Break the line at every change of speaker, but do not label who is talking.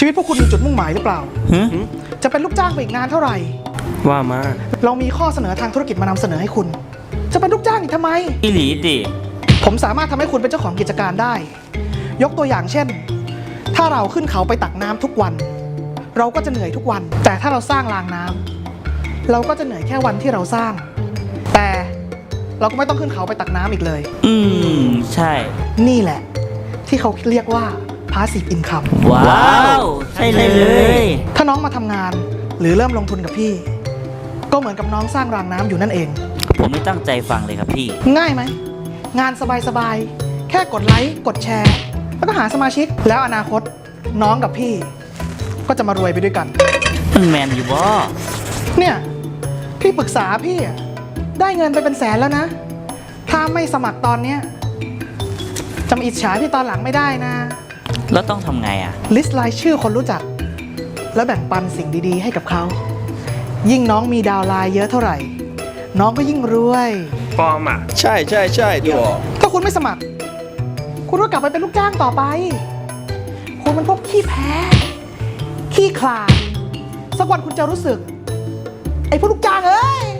ชีวิตพวกคุณมีจุดมุ่งหมายหรือเปล่า
หึ
จะเป็นลูกจ้างไปอีกนานเท่าไหร่
ว่ามา
เรามีข้อเสนอทางธุรกิจมานำเสนอให้คุณ จะเป็นลูกจ้างอีกทำไม
อีหลีดิ
ผมสามารถทำให้คุณเป็นเจ้าของกิจการได้ ยกตัวอย่างเช่น ถ้าเราขึ้นเขาไปตักน้ำทุกวัน เราก็จะเหนื่อยทุกวัน แต่ถ้าเราสร้างรางน้ำเราก็จะเหนื่อยแค่วันที่เราสร้าง แต่เราก็ไม่ต้องขึ้นเขาไปตักน้ำอีกเลย
ใช่
นี่แหละ ที่เขาเรียกว่า passive income
ว้าว ใช่เลย
ถ้าน้องมาทำงานหรือเริ่มลงทุนกับพี่ ก็เหมือนกับน้องสร้างรางน้ำอยู่นั่นเอง
ผมไม่ตั้งใจฟังเลยครับพี่
ง่ายไหม งานสบายๆ แค่กดไลค์กดแชร์ แล้วก็หาสมาชิกแล้วอนาคตน้องกับพี่ ก็จะมารวยไปด้วยกัน
มันแมนอยู่บ่
เนี่ยพี่ปรึกษาพี่อะได้เงินไปเป็นแสนแล้วนะ ถ้าไม่สมัครตอนเนี้ยจะมาอิจฉาพี่ตอนหลังไม่ได้นะ
แล้วต้องทำไงอ่ะ
ลิสต์รายชื่อคนรู้จัก แล้วแบ่งปันสิ่งดีๆ ให้กับเขา ยิ่งน้องมีดาวน์ไลน์เยอะเท่าไหร่ น้องก็ยิ่งรวย
ปลอมอ่ะ
ใช่ใช่ใช่ตัว
ถ้าคุณไม่สมัคร คุณก็กลับไปเป็นลูกจ้างต่อไป คุณมันพวกขี้แพ้ ขี้ขลาด สักวันคุณจะรู้สึก ไอ้พวกลูกจ้างเอ้ย